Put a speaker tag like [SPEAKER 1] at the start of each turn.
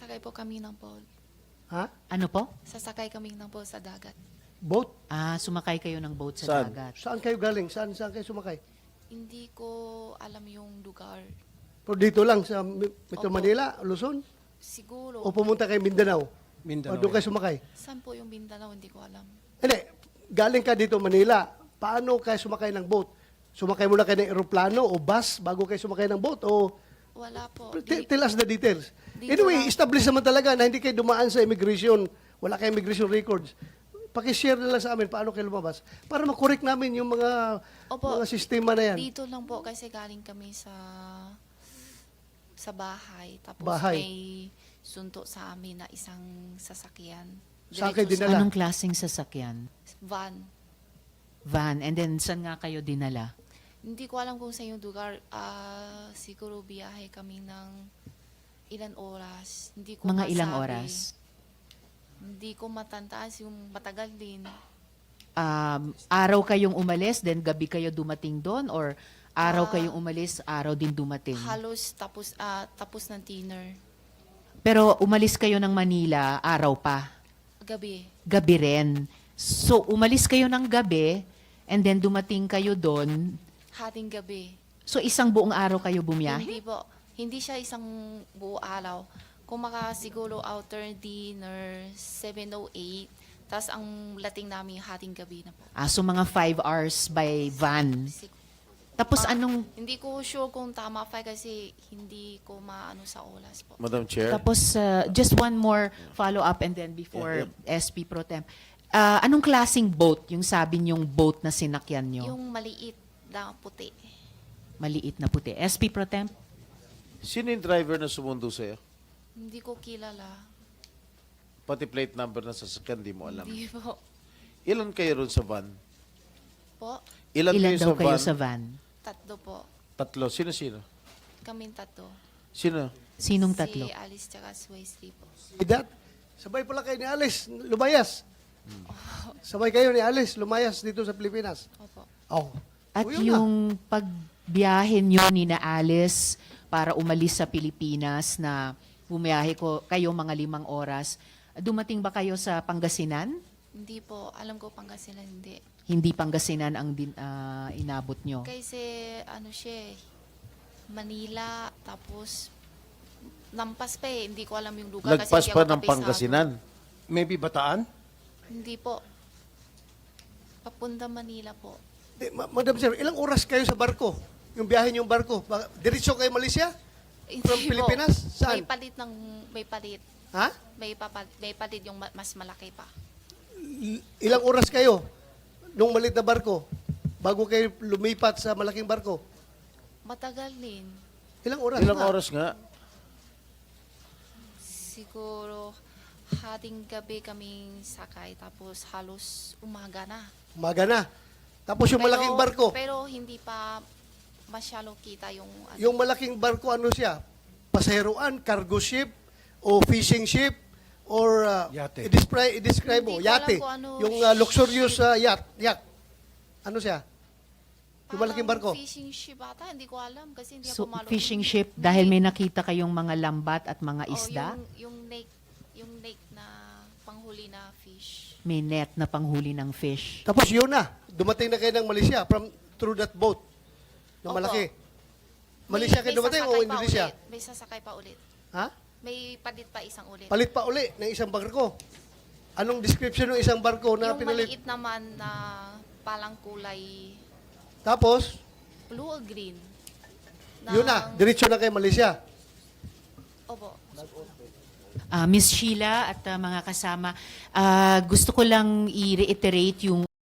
[SPEAKER 1] Sasakay po kami ng boat.
[SPEAKER 2] Ha?
[SPEAKER 3] Ano po?
[SPEAKER 1] Sasakay kami ng boat sa dagat.
[SPEAKER 2] Boat?
[SPEAKER 3] Sumakay kayo ng boat sa
[SPEAKER 4] Saan?
[SPEAKER 3] dagat.
[SPEAKER 2] Saan kayo galing? Saan kayo sumakay?
[SPEAKER 1] Hindi ko alam yung lugar.
[SPEAKER 2] Pero dito lang sa Metro
[SPEAKER 1] Opo.
[SPEAKER 2] Manila, Luzon?
[SPEAKER 1] Siguro.
[SPEAKER 2] O pumunta kay Mindanao? O
[SPEAKER 4] Mindanao.
[SPEAKER 2] doon kayo sumakay?
[SPEAKER 1] Saan po yung Mindanao? Hindi ko alam.
[SPEAKER 2] Hindi, galing ka dito Manila. Paano kayo sumakay ng boat? Sumakay muna kayo ng eroplano o bus bago kayo sumakay ng boat? O
[SPEAKER 1] Wala po.
[SPEAKER 2] tell us the details.
[SPEAKER 1] Dito
[SPEAKER 2] Anyway,
[SPEAKER 1] lang.
[SPEAKER 2] establish naman talaga na hindi kayo dumaan sa immigration. Wala kayong immigration records. Pakishare na lang sa amin paano kayo lumabas para makorek namin yung
[SPEAKER 1] Opo.
[SPEAKER 2] mga sistema na yan.
[SPEAKER 1] Dito lang po kasi galing kami sa bahay. Tapos
[SPEAKER 2] Bahay.
[SPEAKER 1] may sunto sa amin na isang sasakyan.
[SPEAKER 2] Saan kayo
[SPEAKER 1] Diretso
[SPEAKER 2] dinala?
[SPEAKER 3] Anong klaseng sasakyan?
[SPEAKER 1] Van.
[SPEAKER 3] Van. And then, saan nga kayo dinala?
[SPEAKER 1] Hindi ko alam kung sa yung lugar. Siguro biyahe kami ng ilan oras. Hindi ko
[SPEAKER 3] Mga ilang
[SPEAKER 1] masabi.
[SPEAKER 3] oras?
[SPEAKER 1] Hindi ko matantaas yung matagal din.
[SPEAKER 3] Araw kayong umalis, then gabi kayo dumating doon? Or araw kayong umalis, araw din dumating?
[SPEAKER 1] Halos tapos ng dinner.
[SPEAKER 3] Pero umalis kayo ng Manila, araw pa?
[SPEAKER 1] Gabi.
[SPEAKER 3] Gabi rin. So, umalis kayo ng gabi, and then dumating kayo doon.
[SPEAKER 1] Hating gabi.
[SPEAKER 3] So, isang buong araw kayo bumiyahe?
[SPEAKER 1] Hindi po. Hindi siya isang buo araw. Kung siguro outer dinner, 7:08. Tapos ang lating namin hating gabi na po.
[SPEAKER 3] So mga 5 hours by van. Tapos
[SPEAKER 1] Hindi ko sure kung tama pa kasi hindi ko maano sa oras po.
[SPEAKER 4] Madam Chair.
[SPEAKER 3] Tapos, just one more follow-up and then before
[SPEAKER 4] Yeah,
[SPEAKER 3] SP Pro Tem. Anong klaseng boat, yung sabi niyong boat na sinakyan niyo?
[SPEAKER 1] Yung maliit na puti.
[SPEAKER 3] Maliit na puti. SP Pro Tem?
[SPEAKER 4] Sino yung driver na sumundo sa'yo?
[SPEAKER 1] Hindi ko kilala.
[SPEAKER 4] Pati plate number na sasakyan, di mo alam.
[SPEAKER 1] Hindi po.
[SPEAKER 4] Ilan kayo ron sa van?
[SPEAKER 1] Po,
[SPEAKER 4] Ilan,
[SPEAKER 3] Ilan
[SPEAKER 4] kayo
[SPEAKER 3] daw
[SPEAKER 4] sa
[SPEAKER 3] kayo
[SPEAKER 4] van?
[SPEAKER 3] sa van?
[SPEAKER 1] tatlo po.
[SPEAKER 4] Tatlo. Sino-sino?
[SPEAKER 1] Kaming tatlo.
[SPEAKER 4] Sino?
[SPEAKER 3] Sinong tatlo?
[SPEAKER 1] Si Alice tsaka si Wesley po.
[SPEAKER 2] Idat, sabay pala kayo ni Alice, lumayas. Sabay kayo ni Alice, lumayas dito sa Pilipinas.
[SPEAKER 1] Opo.
[SPEAKER 2] Oh.
[SPEAKER 3] At
[SPEAKER 2] O, yun na.
[SPEAKER 3] yung pagbiyahe niyo ni na Alice para umalis sa Pilipinas na bumiyahe kayo mga 5 oras, dumating ba kayo sa Pangasinan?
[SPEAKER 1] Hindi po. Alam ko Pangasinan hindi.
[SPEAKER 3] Hindi Pangasinan ang inabot nyo.
[SPEAKER 1] Kasi ano siya eh, Manila, tapos lampas pa eh. Hindi ko alam yung lugar. kasi
[SPEAKER 4] Lagpas
[SPEAKER 1] hindi
[SPEAKER 4] pa
[SPEAKER 1] ako
[SPEAKER 4] ng
[SPEAKER 1] kapisado.
[SPEAKER 4] Pangasinan.
[SPEAKER 5] Maybe Bataan?
[SPEAKER 1] Hindi po. Papunta Manila po.
[SPEAKER 2] Madam Sir, ilang oras kayo sa barko? Yung biyahe niyong barko? Diretso kayo Malaysia? From
[SPEAKER 1] Hindi po.
[SPEAKER 2] Pilipinas? Saan?
[SPEAKER 1] May palit.
[SPEAKER 2] Ha?
[SPEAKER 1] May palit yung mas malaki pa.
[SPEAKER 2] Ilang oras kayo nung malit na barko bago kayo lumipat sa malaking barko?
[SPEAKER 1] Matagal din.
[SPEAKER 2] Ilang oras?
[SPEAKER 4] Ilang
[SPEAKER 2] nga?
[SPEAKER 4] oras nga?
[SPEAKER 1] Siguro hating gabi kaming sakay tapos halos umaga na.
[SPEAKER 2] Umaga na. Tapos yung malaking barko,
[SPEAKER 1] Pero hindi pa masyalo kita yung ano.
[SPEAKER 2] yung malaking barko ano siya? Pasaheroan, cargo ship, o fishing ship, or
[SPEAKER 5] Yate.
[SPEAKER 2] i-describe mo,
[SPEAKER 1] Hindi ko alam
[SPEAKER 2] yate.
[SPEAKER 1] kung ano
[SPEAKER 2] Yung luxurious yacht. Ano siya? Yung malaking barko.
[SPEAKER 1] Fishing ship ata, hindi ko alam kasi hindi
[SPEAKER 3] So,
[SPEAKER 1] ako malo.
[SPEAKER 3] fishing ship, dahil may nakita kayong mga lambat at mga isda,
[SPEAKER 1] Yung lake na panghuli na fish.
[SPEAKER 3] may net na panghuli ng fish.
[SPEAKER 2] Tapos yun na, dumating na kayo ng Malaysia through that boat na
[SPEAKER 1] Opo.
[SPEAKER 2] malaki. Malaysia kayo dumating o
[SPEAKER 1] sasakay pa
[SPEAKER 2] Indonesia?
[SPEAKER 1] ulit. May sasakay pa ulit.
[SPEAKER 2] Ha?
[SPEAKER 1] May palit pa isang ulit.
[SPEAKER 2] Palit pa uli ng isang barko. Anong description ng isang barko na
[SPEAKER 1] yung
[SPEAKER 2] pinalit?
[SPEAKER 1] maliit naman na palang kulay
[SPEAKER 2] Tapos,
[SPEAKER 1] blue or green.
[SPEAKER 2] yun na, diretso na kayo Malaysia.
[SPEAKER 1] Opo.
[SPEAKER 3] Miss Sheila at mga kasama, gusto ko lang i-reiterate yung